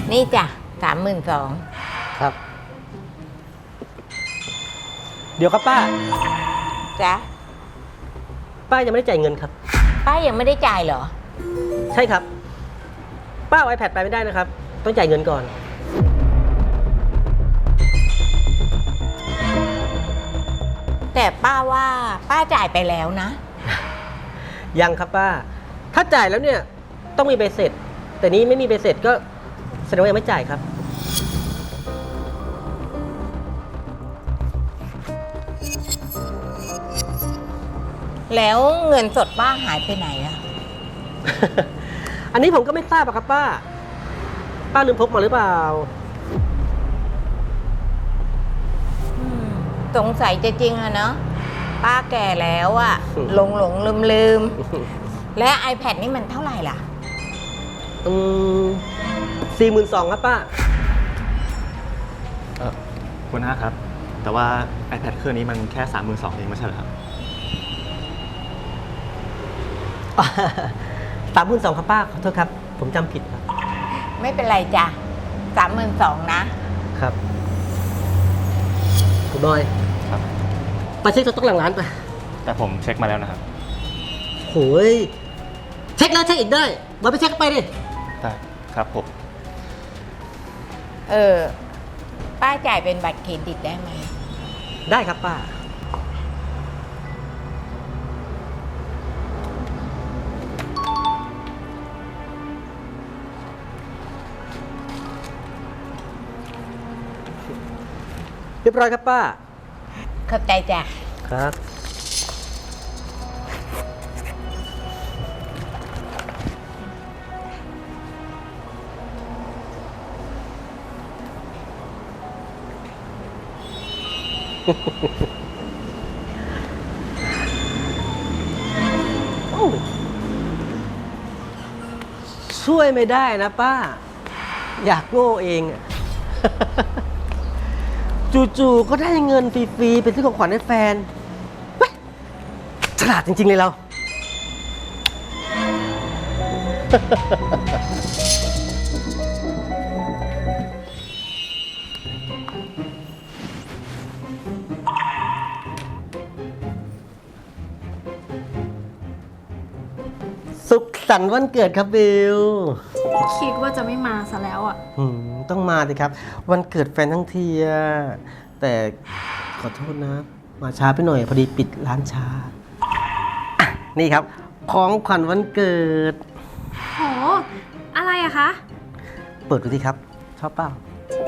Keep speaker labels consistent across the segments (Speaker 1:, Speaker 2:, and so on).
Speaker 1: นี่จ้ะ32,000
Speaker 2: ครับ เดี๋ยวครับป้า
Speaker 1: จ้ะ
Speaker 2: ป้ายังไม่ได้จ่ายเงินครับ
Speaker 1: ป้ายังไม่ได้จ่ายเหรอ
Speaker 2: ใช่ครับ ป้าเอา iPad ไปไม่ได้นะครับ ต้องจ่ายเงินก่อน
Speaker 1: แต่ป้าว่าป้าจ่ายไปแล้วนะ
Speaker 2: ยังครับป้า ถ้าจ่ายแล้วเนี่ยต้องมีใบเสร็จ แต่นี้ไม่มีใบเสร็จก็แสดงว่ายังไม่จ่ายครับ
Speaker 1: แล้วเงินสดป้าหายไปไหนอะ
Speaker 2: อันนี้ผมก็ไม่ทราบอะครับป้า ป้าลืมพกมาหรือเปล่า
Speaker 1: สงสัยจะจริงอะเนาะป้าแก่แล้วอะหลงลืม และ iPad นี่มันเท่าไหร่ล่ะ
Speaker 2: 42,000ครับป้า
Speaker 3: คุณน้าครับ แต่ว่า iPad เครื่องนี้มันแค่ 32,000เองไม่ใช่เหรอครับ
Speaker 2: 32,000ครับป้า ขอโทษครับ ผมจำผิดครับ
Speaker 1: ไม่เป็นไรจ้ะ32,000นะ
Speaker 2: ครับคุณบอย
Speaker 3: ครับ
Speaker 2: ไปเช็คสต๊อกหลังร้านไป
Speaker 3: แต่ผมเช็คมาแล้วนะครับ
Speaker 2: โหยเช็คแล้วเช็คอีกได้บอยไปเช็คไปดิ
Speaker 3: ได้ครับผม
Speaker 1: ป้าจ่ายเป็นบัตรเครดิตได้ไหม
Speaker 2: ได้ครับป้า เรียบร้อยครับป้า
Speaker 1: เข้าใจจ้ะ
Speaker 2: ครับ โอ้ช่วยไม่ได้นะป้า อยากโง่เองอะ จู่ๆก็ได้เงินฟรีๆเป็นซื้อของขวัญให้แฟนเว้ยฉลาดจริง ๆ เลยเรา สุขสันต์วันเกิดครับบิล
Speaker 4: คิดว่าจะไม่มาซะแล้วอ่ะ
Speaker 2: ต้องมาสิครับ วันเกิดแฟนทั้งทีอะแต่ขอโทษนะ มาช้าไปหน่อยพอดีปิดร้านช้าอ่ะนี่ครับ ของขวัญวันเกิด
Speaker 4: โห อะไรอะคะ
Speaker 2: เปิดดูสิครับ ชอบเปล่า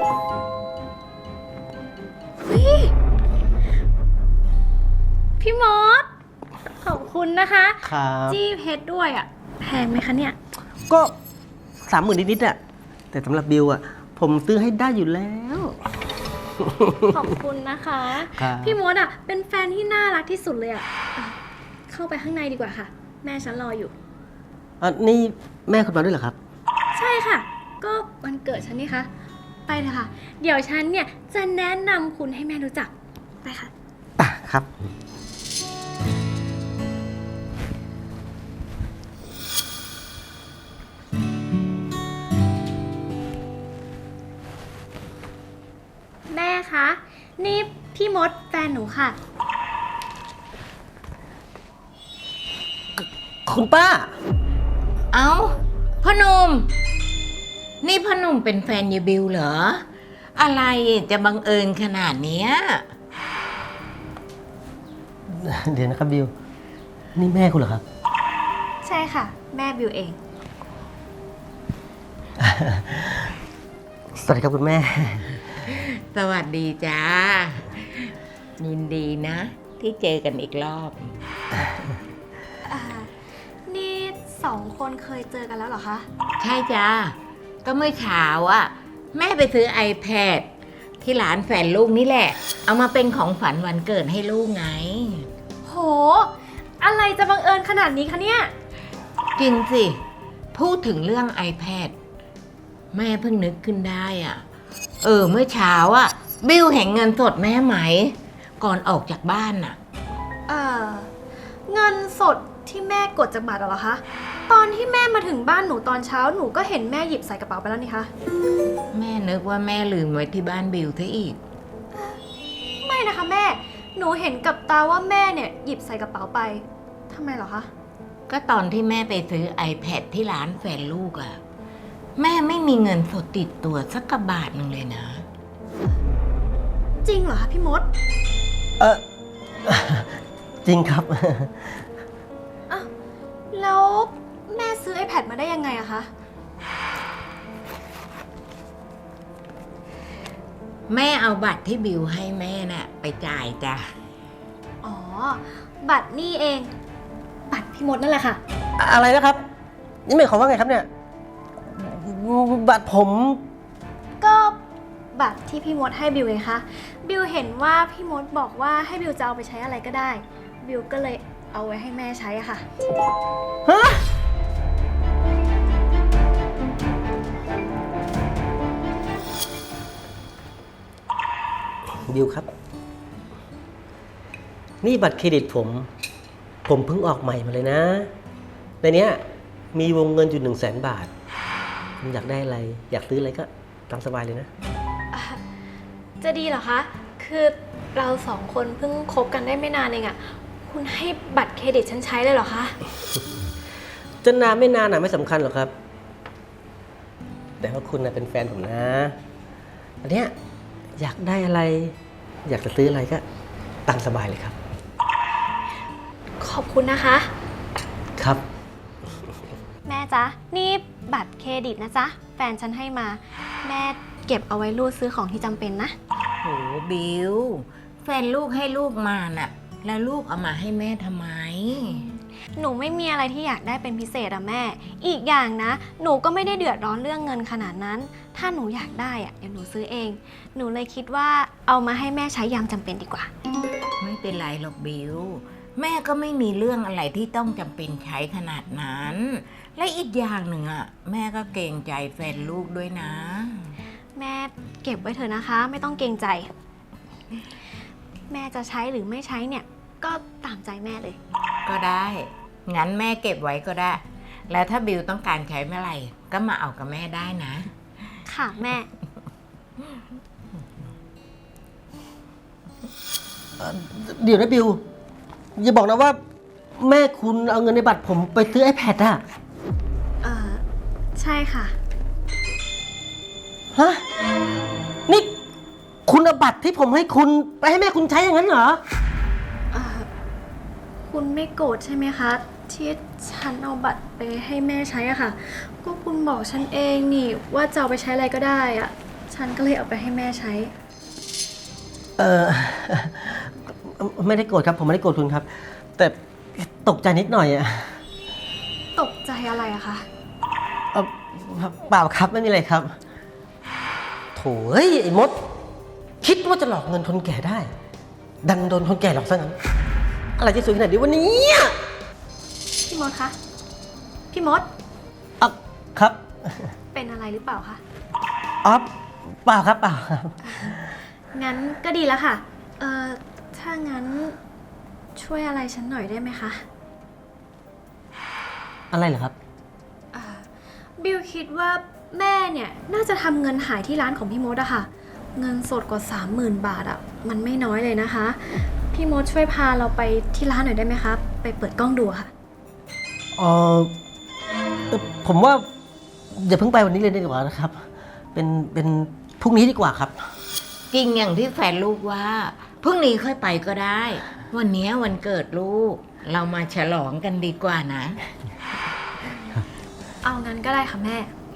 Speaker 4: พี่มด ขอบคุณนะคะ
Speaker 2: ครับ
Speaker 4: จี้เพชรด้วยอะแพงไหมคะเนี่ย
Speaker 2: ก็30,000นิดๆอะแต่สำหรับบิลอะผมซื้อให้ได้อยู่แล้ว
Speaker 4: ขอบคุณนะคะ
Speaker 2: ครับ
Speaker 4: พี่มดอะเป็นแฟนที่น่ารักที่สุดเลยอะเข้าไปข้างในดีกว่าค่ะ แม่ฉันรออยู่
Speaker 2: นี่แม่คุณมาด้วยเหรอครับ
Speaker 4: ใช่ค่ะ ก็วันเกิดฉันนี่คะ ไปเลยค่ะ เดี๋ยวฉันเนี่ยจะแนะนำคุณให้แม่รู้จัก ไปค่ะ
Speaker 2: ครับ
Speaker 4: แม่คะ นี่พี่มดแฟนหนูค่ะ
Speaker 2: คุณป้า
Speaker 1: เอ้าพ่อหนุ่มนี่พ่อหนุ่มเป็นแฟนยายบิวเหรอ อะไรจะบังเอิญขนาดเนี้ย
Speaker 2: เดี๋ยวนะครับบิล นี่แม่คุณเหรอครับ
Speaker 4: ใช่ค่ะ แม่บิวเอง
Speaker 2: สวัสดีครับคุณแม่
Speaker 1: สวัสดีจ้า ยินดีนะ ที่เจอกันอีกรอบ
Speaker 4: นี่สองคนเคยเจอกันแล้วเหรอคะ
Speaker 1: ใช่จ้า ก็เมื่อเช้าอะแม่ไปซื้อ iPad ที่ร้านแฟนลูกนี่แหละ เอามาเป็นของฝันวันเกิดให้ลูกไง
Speaker 4: โห อะไรจะบังเอิญขนาดนี้คะเนี่ย
Speaker 1: จริงสิ พูดถึงเรื่อง iPad แม่เพิ่งนึกขึ้นได้อะเมื่อเช้าอะบิวเห็นเงินสดแม่ไหม ก่อนออกจากบ้านน่ะ
Speaker 4: เงินสดที่แม่กดจากบัตรเหรอคะตอนที่แม่มาถึงบ้านหนูตอนเช้าหนูก็เห็นแม่หยิบใส่กระเป๋าไปแล้วนี่คะ
Speaker 1: แม่นึกว่าแม่ลืมไว้ที่บ้านบิวซะอีก
Speaker 4: ไม่นะคะแม่ หนูเห็นกับตาว่าแม่เนี่ยหยิบใส่กระเป๋าไปทำไมเหรอคะ
Speaker 1: ก็ตอนที่แม่ไปซื้อ iPad ที่ร้านแฟนลูกอะแม่ไม่มีเงินสดติดตัวสักกระบาทหนึ่งเลยนะ
Speaker 4: จริงเหรอคะพี่มด
Speaker 2: เออ จริงครับ
Speaker 4: อ้าวแล้วแม่ซื้อ iPad มาได้ยังไงอะคะ
Speaker 1: แม่เอาบัตรที่บิวให้แม่น่ะไปจ่ายจ้ะ
Speaker 4: อ๋อ บัตรนี่เอง บัตรพี่มดนั่นแหละค่ะ
Speaker 2: อะไรนะครับ นี่หมายความว่าไงครับเนี่ยบัตรผม
Speaker 4: ก็บัตรที่พี่มดให้บิวไงคะ บิวเห็นว่าพี่มดบอกว่าให้บิวจะเอาไปใช้อะไรก็ได้ บิวก็เลยเอาไว้ให้แม่ใช้อะค่ะ
Speaker 2: ฮะบิวครับ นี่บัตรเครดิตผม ผมเพิ่งออกใหม่มาเลยนะ ในเนี้ยมีวงเงินอยู่100,000 บาท คุณอยากได้อะไร อยากซื้ออะไรก็ตามสบายเลยนะ
Speaker 4: จะดีเหรอคะ คือเราสองคนเพิ่งคบกันได้ไม่นานเองอะคุณให้บัตรเครดิตฉันใช้เลยเหรอคะ
Speaker 2: จะนานไม่นานไม่สำคัญหรอกครับ แต่ว่าคุณเป็นแฟนผมนะ อันเนี้ยอยากได้อะไร อยากจะซื้ออะไรก็ตามสบายเลยครับ
Speaker 4: ขอบคุณนะคะ
Speaker 2: ครับ
Speaker 4: แม่จ๊ะ นี่บัตรเครดิตนะจ๊ะ แฟนฉันให้มา แม่เก็บเอาไว้รูดซื้อของที่จำเป็นนะ
Speaker 1: โหบิวแฟนลูกให้ลูกมาน่ะ แล้วลูกเอามาให้แม่ทำไม
Speaker 4: หนูไม่มีอะไรที่อยากได้เป็นพิเศษอะแม่ อีกอย่างนะ หนูก็ไม่ได้เดือดร้อนเรื่องเงินขนาดนั้น ถ้าหนูอยากได้อะเดี๋ยวหนูซื้อเอง หนูเลยคิดว่าเอามาให้แม่ใช้ยามจำเป็นดีกว่า
Speaker 1: ไม่เป็นไรหรอกบิวแม่ก็ไม่มีเรื่องอะไรที่ต้องจำเป็นใช้ขนาดนั้น และอีกอย่างหนึ่งอ่ะแม่ก็เกรงใจแฟนลูกด้วยนะ
Speaker 4: แม่เก็บไว้เถอะนะคะ ไม่ต้องเกรงใจ แม่จะใช้หรือไม่ใช้เนี่ย ก็ตามใจแม่เลย
Speaker 1: ก็ได้งั้นแม่เก็บไว้ก็ได้ แล้วถ้าบิวต้องการใช้เมื่อไหร่ก็มาเอากับแม่ได้นะ
Speaker 4: ค่ะแม่
Speaker 2: เดี๋ยวนะบิว อย่าบอกนะว่า แม่คุณเอาเงินในบัตรผมไปซื้อ iPad อะ
Speaker 4: ใช่ค่ะ
Speaker 2: ฮะ นี่คุณเอาบัตรที่ผมให้คุณไปให้แม่คุณใช้อย่างนั้นเหรอ
Speaker 4: คุณไม่โกรธใช่ไหมคะ ที่ฉันเอาบัตรไปให้แม่ใช้อะค่ะ ก็คุณบอกฉันเองนี่ว่าจะเอาไปใช้อะไรก็ได้อะฉันก็เลยเอาไปให้แม่ใช้
Speaker 2: เออ ไม่ได้โกรธครับ ผมไม่ได้โกรธคุณครับ แต่ตกใจนิดหน่อยอะ
Speaker 4: ตกใจอะไรอะคะ
Speaker 2: เอ่อเปล่าครับไม่มีอะไรครับโถ่เอ้ยไอ้มด คิดว่าจะหลอกเงินคนแก่ได้ ดันโดนคนแก่หลอกซะงั้น อะไรจะสวยขนาดนี้วันนี้
Speaker 4: พี่มดคะ พี่มด
Speaker 2: อ่ะครับ
Speaker 4: เป็นอะไรหรือเปล่าคะ
Speaker 2: อ๋อเปล่าครับเปล่าครับ
Speaker 4: งั้นก็ดีแล้วค่ะ ถ้างั้นช่วยอะไรฉันหน่อยได้ไหมคะ
Speaker 2: อะไรเหรอครับ
Speaker 4: บิวคิดว่าแม่เนี่ยน่าจะทำเงินหายที่ร้านของพี่มดอะค่ะ เงินสดกว่า 30,000 บาทอะมันไม่น้อยเลยนะคะ พี่มดช่วยพาเราไปที่ร้านหน่อยได้ไหมคะ ไปเปิดกล้องดูค่ะ
Speaker 2: เออผมว่าอย่าเพิ่งไปวันนี้เลยดีกว่านะครับ เป็นพรุ่งนี้ดีกว่าครับ
Speaker 1: จริงอย่างที่แฟนลูกว่าพรุ่งนี้ค่อยไปก็ได้ วันนี้วันเกิดลูก เรามาฉลองกันดีกว่านะ
Speaker 4: เอางั้นก็ได้ค่ะแม่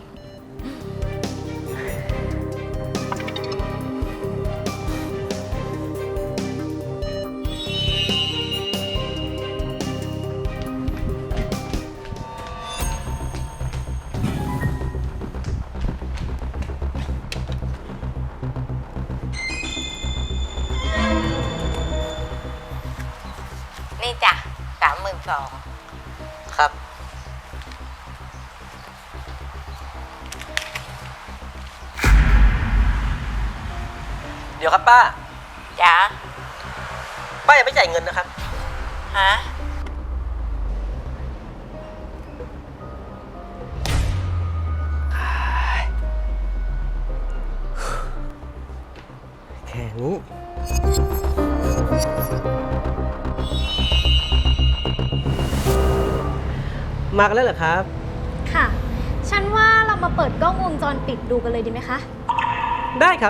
Speaker 1: นี่จ้ะ32,000
Speaker 2: ครับ เดี๋ยวครับป้า
Speaker 1: จ้ะ
Speaker 2: ป้ายังไม่จ่ายเงินนะครับ
Speaker 1: ฮะ
Speaker 2: อย่างนี้ มากันแล้วเหรอครับ
Speaker 4: ค่ะ ฉันว่าเรามาเปิดกล้องวงจรปิดดูกันเลยดีไหมคะ
Speaker 2: ได้ครับ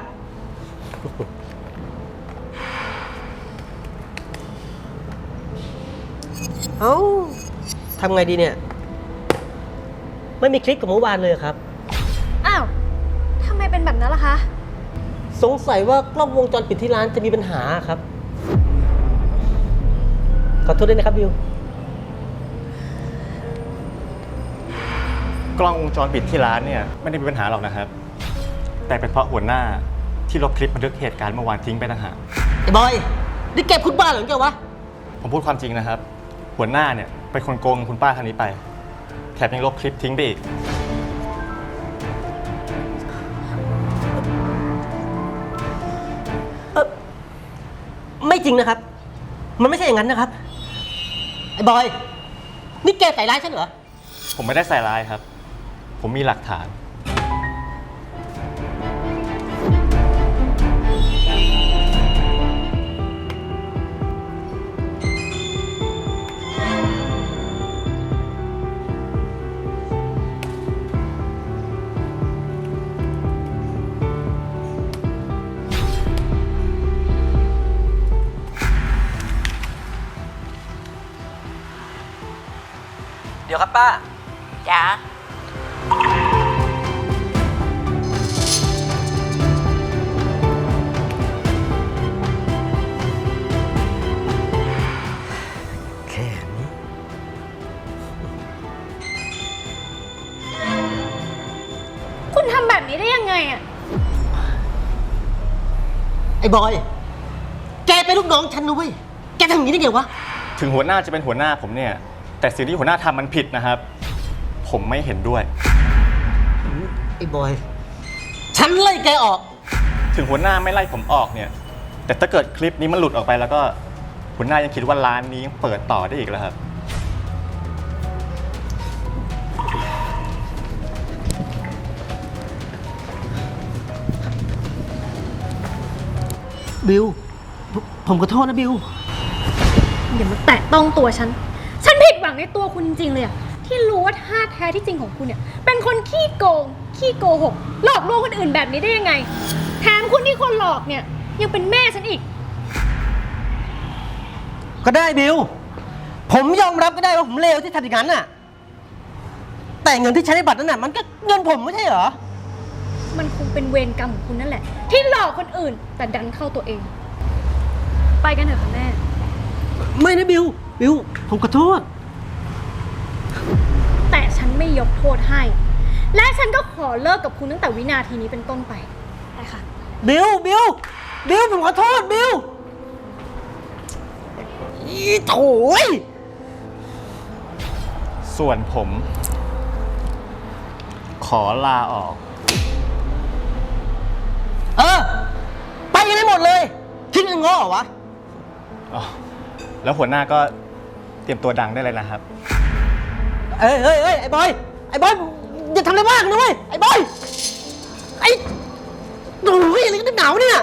Speaker 2: เอ้าทำไงดีเนี่ย ไม่มีคลิปกับเมื่อวานเลยครับ
Speaker 4: อ้าว ทำไมเป็นแบบนั้นล่ะคะ
Speaker 2: สงสัยว่ากล้องวงจรปิดที่ร้านจะมีปัญหาครับ ขอโทษด้วยนะครับบิว
Speaker 3: กล้องวงจรปิดที่ร้านเนี่ยไม่ได้มีปัญหาหรอกนะครับ แต่เป็นเพราะหัวหน้าที่ลบคลิปบันทึกเหตุการณ์เมื่อวานทิ้งไปต่างหาก
Speaker 2: ไอ้บอย นี่แกพูดบ้าเหรอแกวะ
Speaker 3: ผมพูดความจริงนะครับ หัวหน้าเนี่ยเป็นคนโกงคุณป้าท่านนี้ไป แถมยังลบคลิปทิ้งไปอีก
Speaker 2: ไม่จริงนะครับ มันไม่ใช่อย่างนั้นนะครับ ไอ้บอย นี่แกใส่ร้ายฉันเหรอ
Speaker 3: ผมไม่ได้ใส่ร้ายครับ ผมมีหลักฐาน
Speaker 2: เดี๋ยวครับป้า
Speaker 1: จ้า
Speaker 2: แค่นี้
Speaker 4: คุณทำแบบนี้ได้ยังไงอะ
Speaker 2: ไอ้บอย แกเป็นลูกน้องฉันนะเว้ย แกทำอย่างนี้ได้ไงวะ
Speaker 3: ถึงหัวหน้าจะเป็นหัวหน้าผมเนี่ย แต่สิ่งที่หัวหน้าทำมันผิดนะครับ ผมไม่เห็นด้วย
Speaker 2: ไอ้บอย ฉันไล่แกออก
Speaker 3: ถึงหัวหน้าไม่ไล่ผมออกเนี่ย แต่ถ้าเกิดคลิปนี้มันหลุดออกไปแล้วก็หัวหน้ายังคิดว่าร้านนี้ยังเปิดต่อได้อีกแล้วครับ
Speaker 2: บิว ผมขอโทษนะบิว
Speaker 4: อย่ามาแตะต้องตัวฉัน ฉันผิดหวังในตัวคุณจริงๆเลยอะที่รู้ว่าท่าแท้ที่จริงของคุณเนี่ย เป็นคนขี้โกง ขี้โกหก หลอกลวงคนอื่นแบบนี้ได้ยังไง แถมคุณที่คนหลอกเนี่ยยังเป็นแม่ฉันอีก
Speaker 2: ก็ได้บิว ผมยอมรับก็ได้ว่าผมเลวที่ทำอย่างนั้นน่ะ แต่เงินที่ใช้ในบัตรนั้นน่ะมันก็เงินผมไม่ใช่เหรอ
Speaker 4: มันคงเป็นเวรกรรมของคุณนั่นแหละ ที่หลอกคนอื่น แต่ดันเข้าตัวเอง ไปกันเถอะค่ะแม่
Speaker 2: ไม่นะบิว บิว ผมขอโทษ
Speaker 4: แต่ฉันไม่ยกโทษให้ และฉันก็ขอเลิกกับคุณตั้งแต่วินาทีนี้เป็นต้นไปไปค่ะ
Speaker 2: บิว บิว บิว ผมขอโทษบิว อีโถย
Speaker 3: ส่วนผม ขอลาออก
Speaker 2: เออ ไปกันได้หมดเลยคิดเงินง้อเหรอวะ
Speaker 3: อ๋อ แล้วหัวหน้าก็เตรียมตัวดังได้เลยนะครับ
Speaker 2: เอ้ยเอ้ยเอ้ยไอ้บอย ไอ้บอย อย่าทำอะไรมากนะเว้ย ไอ้บอย ไอ้โอ้ยอะไรกันหนาวเนี่ย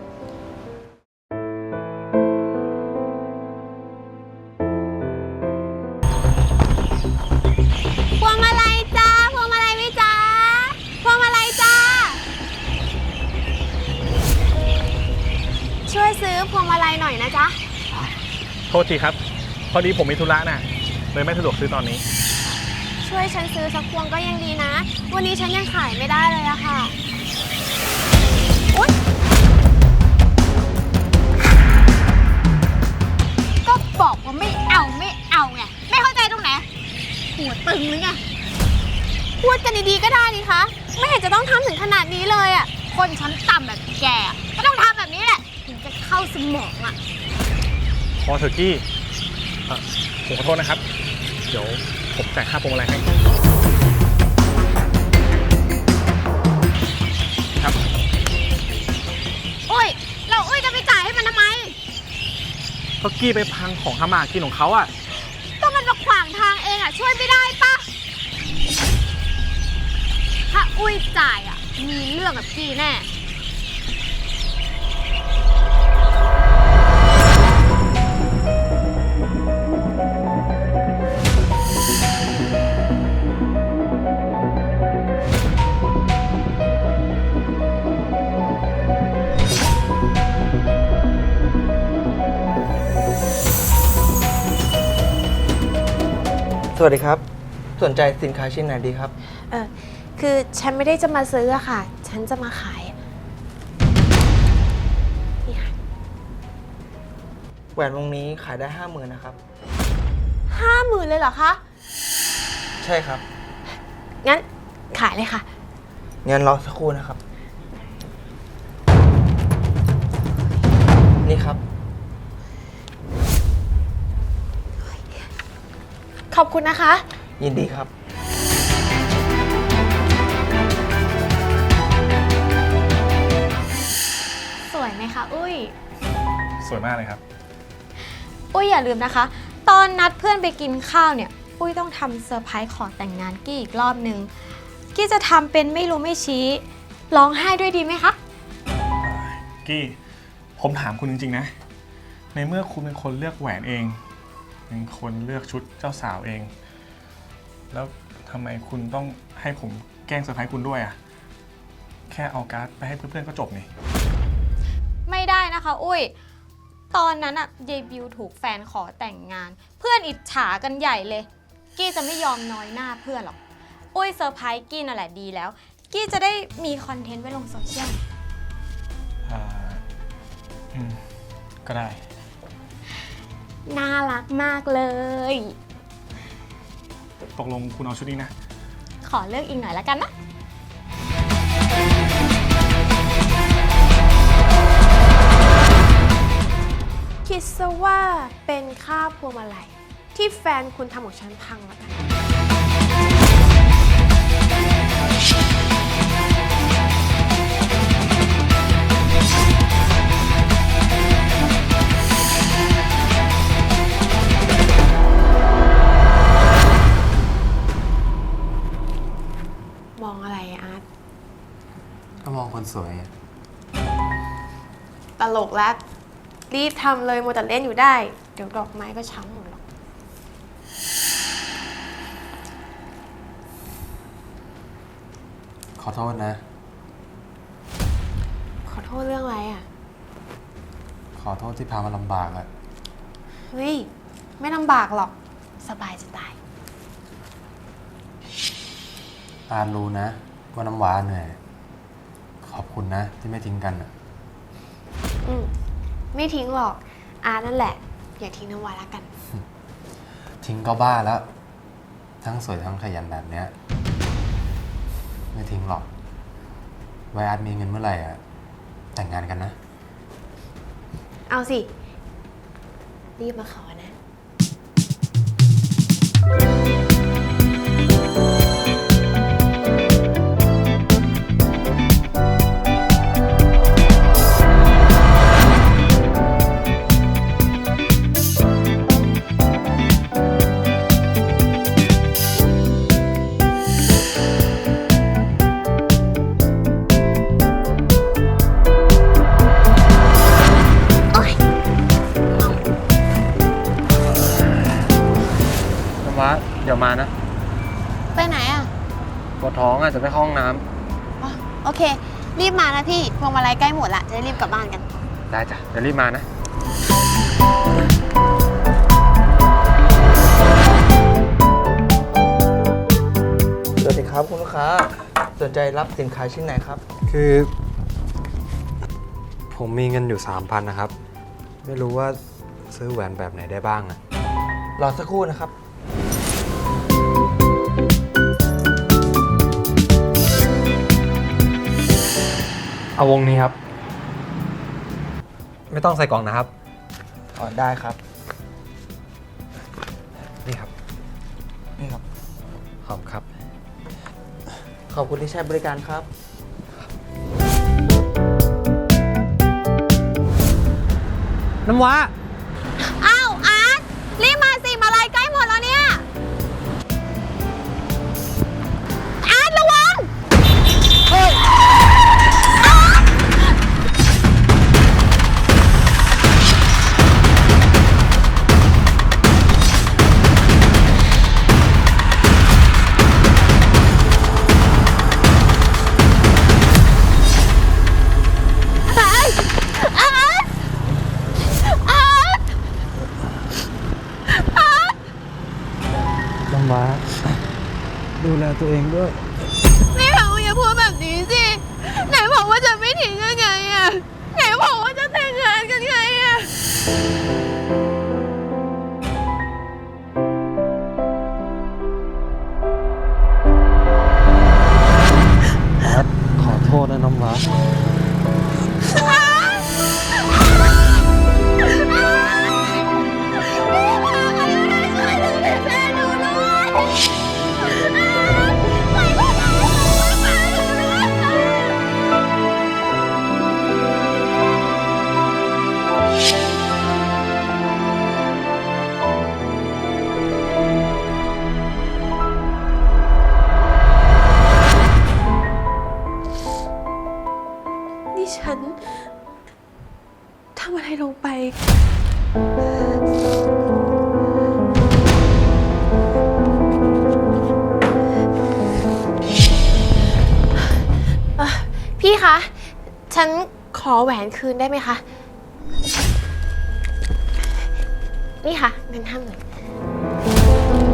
Speaker 5: พวงมาลัยจ้า พวงมาลัยไหมจ้า พวงมาลัยจ้า ช่วยซื้อพวงมาลัยหน่อยนะจ๊ะ
Speaker 6: โทษทีครับ พอดีผมมีธุระน่ะเลยไม่สะดวกซื้อตอนนี้
Speaker 5: ช่วยฉันซื้อสักพวงก็ยังดีนะ วันนี้ฉันยังขายไม่ได้เลยอะค่ะอุ๊ยก็บอกว่าไม่เอาไง ไม่เข้าใจตรงไหน หัวตึงหรือไง พูดกันดีๆก็ได้นี่คะ ไม่เห็นจะต้องทำถึงขนาดนี้เลยอะคนชั้นต่ำแบบแกอะก็ต้องทำแบบนี้แหละ ถึงจะเข้าสมองอะ
Speaker 6: พอเถอะกี้ผมขอโทษนะครับ เดี๋ยวผมจ่ายค่าพวงมาลัยให้ครับ
Speaker 5: อุ้ย เราอุ้ยจะไปจ่ายให้มันทำไม
Speaker 6: ก็กี้ไปพังของทำมาหากินของเขาอ่ะ
Speaker 5: ก็มันมาขวางทางเองอะช่วยไม่ได้ปะถ้าอุ้ยจ่ายอะมีเรื่องกับพี่แน่
Speaker 7: วัสดีครับ สนใจสินค้าชิ้นไหนดีครับ
Speaker 5: คือฉันไม่ได้จะมาซื้ออะค่ะ ฉันจะมาขายนี่ค่ะ
Speaker 7: แหวนวงนี้ขายได้ 50,000นะครับ
Speaker 5: 50,000เลยเหรอคะ
Speaker 7: ใช่ครับ
Speaker 5: งั้นขายเลยค่ะ
Speaker 7: งั้นรอสักครู่นะครับ นี่ครับ
Speaker 5: ขอบคุณนะคะ
Speaker 7: ยินดีครับ
Speaker 4: สวยไหมคะอุ้ย
Speaker 6: สวยมากเลยครับ
Speaker 4: อุ้ยอย่าลืมนะคะ ตอนนัดเพื่อนไปกินข้าวเนี่ย อุ้ยต้องทำเซอร์ไพรส์ขอแต่งงานกี้อีกรอบนึง กี้จะทำเป็นไม่รู้ไม่ชี้ร้องไห้ด้วยดีไหมคะ
Speaker 6: กี้ผมถามคุณจริงๆนะ ในเมื่อคุณเป็นคนเลือกแหวนเอง เป็นคนเลือกชุดเจ้าสาวเอง แล้วทำไมคุณต้องให้ผมแกล้งเซอร์ไพรส์คุณด้วยอะแค่เอาการ์ดไปให้เพื่อนๆก็จบนี่
Speaker 4: ไม่ได้นะคะอุ้ย ตอนนั้นอะเยบิวถูกแฟนขอแต่งงาน เพื่อนอิจฉากันใหญ่เลย กี้จะไม่ยอมน้อยหน้าเพื่อนหรอก อุ้ยเซอร์ไพรส์กี้นั่นแหละดีแล้ว กี้จะได้มีคอนเทนต์ไว้ลงโซเชียล
Speaker 6: ก็ได้
Speaker 4: น่ารักมากเลย
Speaker 6: ตกลงคุณเอาชุดนี้นะ
Speaker 4: ขอเลือกอีกหน่อยแล้วกันนะ
Speaker 5: คิดซะว่าเป็นค่าพวงมาลัยที่แฟนคุณทำของฉันพังแล้วกัน มองอะไรอะอาร์ต
Speaker 8: ก็มองคนสวย
Speaker 5: ตลกแล้ว รีบทำเลยมัวแต่เล่นอยู่ได้ เดี๋ยวดอกไม้ก็ช้ำหมดหรอก
Speaker 8: ขอโทษนะ
Speaker 5: ขอโทษเรื่องอะไรอ่ะ
Speaker 8: ขอโทษที่พามาลำบากอะ
Speaker 5: เฮ้ย ไม่ลำบากหรอก สบายจะตาย
Speaker 8: อาร์ตรู้นะว่าน้ำหวานเหนื่อย ขอบคุณนะที่ไม่ทิ้งกันอะ
Speaker 5: อืมไม่ทิ้งหรอก อานั่นแหละ อย่าทิ้งน้ำวาละกัน
Speaker 8: ทิ้งก็บ้าแล้ว ทั้งสวยทั้งขยันแบบเนี้ย ไม่ทิ้งหรอก ไว้อาร์ตมีเงินเมื่อไหร่อะแต่งงานกันนะ
Speaker 5: เอาสิ รีบมาขอนะ
Speaker 8: น้ำว้าเดี๋ยวมานะ
Speaker 5: ไปไหนอ่ะ
Speaker 8: ปวดท้องอาจจะไปเข้าห้องน้
Speaker 5: อ๋อโอเค รีบมานะพี่ พวงมาลัยใกล้หมดละ จะได้รีบกลับบ้านกัน
Speaker 8: ำได้จ้ะ เดี๋ยวรีบมานะ
Speaker 7: สวัสดีครับคุณลูกค้า สนใจรับสินค้าชิ้นไหนครับ
Speaker 8: คือ ผมมีเงินอยู่ 3,000 นะครับ ไม่รู้ว่าซื้อแหวนแบบไหนได้บ้างอะ
Speaker 7: รอสักครู่นะครับ
Speaker 8: เอาวงนี้ครับ ไม่ต้องใส่กล่องนะครับ
Speaker 7: อ๋อได้ครับ
Speaker 8: นี่ครับ
Speaker 7: นี่ครับ
Speaker 8: ขอบครับ
Speaker 7: ขอบคุณที่ใช้บริการครับ
Speaker 2: น้ำว้า
Speaker 5: อ้าวอาร์ตรีบมาสิ มาลัยใกล้หมดแล้วเนี่ย อาร์ตระวัง อาร์ต
Speaker 7: ตัวเองด้วย
Speaker 5: ไม่เอาอย่าพูดแบบนี้สิ ไหนบอกว่าจะไม่ทิ้งกันไงอะไหนบอกว่าจะแต่งงานกันไงอะ
Speaker 2: ขอโทษนะน้ำว้า
Speaker 5: นี่ฉันทำอะไรลงไป พี่คะ ฉันขอแหวนคืนได้ไหมคะ นี่ค่ะเงิน50,000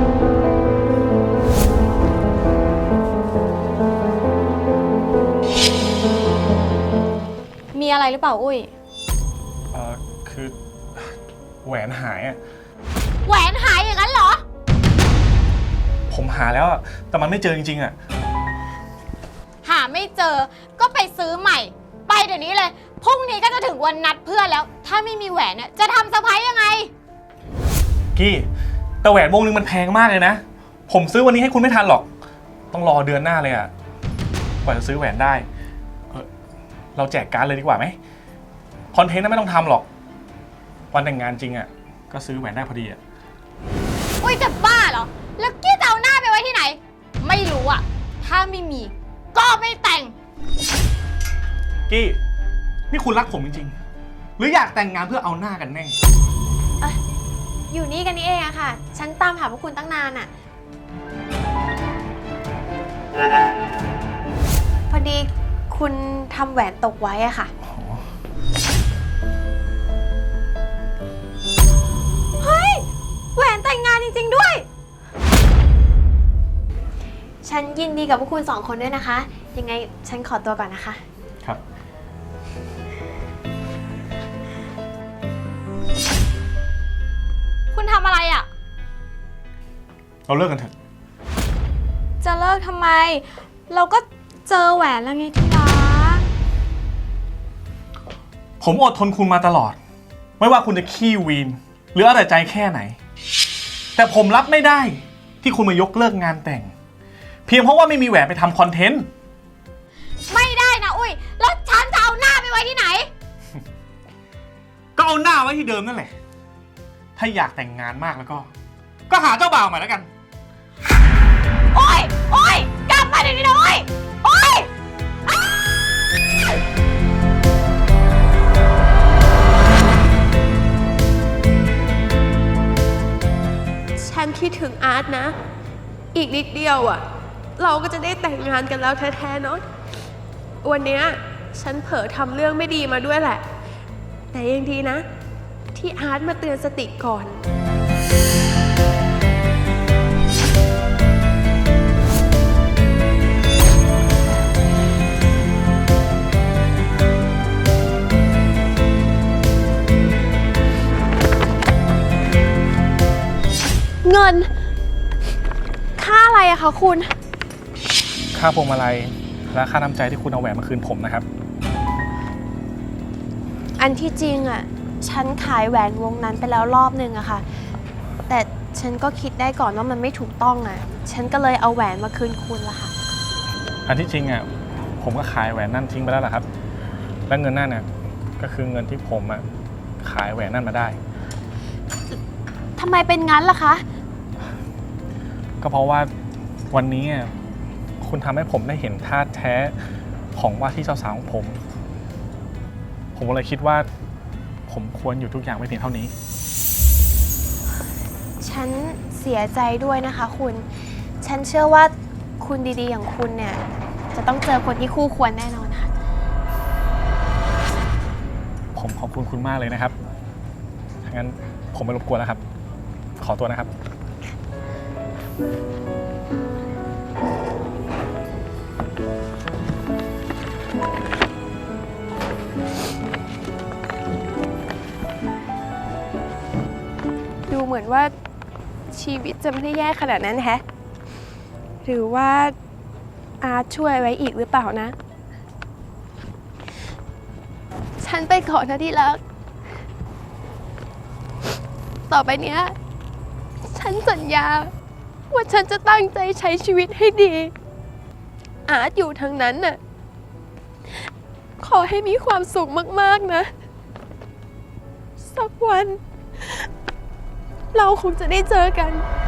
Speaker 5: มีอะไรหรือเปล่าอุ้ย
Speaker 6: คือแหวนหายอะ
Speaker 5: แหวนหายอย่างนั้นเหรอ
Speaker 6: ผมหาแล้วอะแต่มันไม่เจอจริงๆอะ
Speaker 5: หาไม่เจอก็ไปซื้อใหม่ ไปเดี๋ยวนี้เลย พรุ่งนี้ก็จะถึงวันนัดเพื่อนแล้ว ถ้าไม่มีแหวนเนี่ยจะทำเซอร์ไพรส์ยังไง
Speaker 6: กี้แต่แหวนวงนึงมันแพงมากเลยนะ ผมซื้อวันนี้ให้คุณไม่ทันหรอก ต้องรอเดือนหน้าเลยอะกว่าจะซื้อแหวนได้เราแจกการ์ดเลยดีกว่าไหมคอนเทนต์นั้นไม่ต้องทำหรอกวันแต่งงานจริงอะก็ซื้อแหวนได้พอดีอะ
Speaker 5: อุ้ยจะบ้าเหรอ แล้วกี้จะเอาหน้าไปไว้ที่ไหน ไม่รู้อะถ้าไม่มีก็ไม่แต่ง
Speaker 6: กี้นี่คุณรักผมจริงๆหรืออยากแต่งงานเพื่อเอาหน้ากันแน่
Speaker 5: อยู่นี่กันนี่เองอะค่ะ ฉันตามหาพวกคุณตั้งนานอะพอดีคุณทำแหวนตกไว้อะค่ะ เฮ้ย แหวนแต่งงานจริงๆด้วย ฉันยินดีกับพวกคุณ2 คนด้วยนะคะ ยังไงฉันขอตัวก่อนนะคะ
Speaker 6: ครับ
Speaker 5: คุณทำอะไรอะ
Speaker 6: เราเลิกกันเถอะ
Speaker 5: จะเลิกทำไม เราก็เจอแหวนแล้วไงที่รัก
Speaker 6: ผมอดทนคุณมาตลอด ไม่ว่าคุณจะขี้วีนหรือเอาแต่ใจแค่ไหน แต่ผมรับไม่ได้ที่คุณมายกเลิกงานแต่ง เพียงเพราะว่าไม่มีแหวนไปทำคอนเทนต์
Speaker 5: ไม่ได้นะอุ้ย แล้วฉันจะเอาหน้าไปไว้ที่ไหน
Speaker 6: ก็เอาหน้าไว้ที่เดิมนั่นแหละ ถ้าอยากแต่งงานมากแล้วก็หาเจ้าบ่าวใหม่แล้วกัน
Speaker 5: โอ้ย โอ้ย กลับมาเดี๋ยวนี้นะโอ้ย โอ้ย
Speaker 9: ฉันคิดถึงอาร์ตนะ อีกนิดเดียวอ่ะ เราก็จะได้แต่งงานกันแล้วแท้ๆเนาะ วันเนี้ยฉันเผลอทำเรื่องไม่ดีมาด้วยแหละ แต่ยังดีนะ ที่อาร์ตมาเตือนสติก่อน
Speaker 5: เงิน ค่าอะไรอะคะคุณ
Speaker 6: ค่าพวงมาลัยและค่าน้ำใจที่คุณเอาแหวนมาคืนผมนะครับ
Speaker 5: อันที่จริงอะฉันขายแหวนวงนั้นไปแล้วรอบนึงอะค่ะ แต่ฉันก็คิดได้ก่อนว่ามันไม่ถูกต้องอะฉันก็เลยเอาแหวนมาคืนคุณละค่ะ
Speaker 6: อันที่จริงอ่ะผมก็ขายแหวนนั่นทิ้งไปแล้วล่ะครับ และเงินนั่นเนี่ยก็คือเงินที่ผมอ่ะขายแหวนนั่นมาได้
Speaker 5: ทำไมเป็นงั้นล่ะคะ
Speaker 6: ก็เพราะว่าวันนี้คุณทำให้ผมได้เห็นท่าแท้ของว่าที่เจ้าสาวของผม ผมก็เลยคิดว่าผมควรอยู่ทุกอย่างไว้เพียงเท่านี้
Speaker 5: ฉันเสียใจด้วยนะคะคุณ ฉันเชื่อว่าคุณดีๆอย่างคุณเนี่ยจะต้องเจอคนที่คู่ควรแน่นอนค่ะ
Speaker 6: ผมขอบคุณคุณมากเลยนะครับงั้นผมไม่รบกวนแล้วครับ ขอตัวนะครับ
Speaker 9: เหมือนว่าชีวิตจะไม่ได้แย่ขนาดนั้นแฮะ หรือว่าอาร์ตช่วยไว้อีกหรือเปล่านะ ฉันไปก่อนนะที่รัก ต่อไปเนี้ย ฉันสัญญาว่าฉันจะตั้งใจใช้ชีวิตให้ดี อาร์ตอยู่ทางนั้นน่ะ ขอให้มีความสุขมากๆนะ สักวัน เราคงจะได้เจอกัน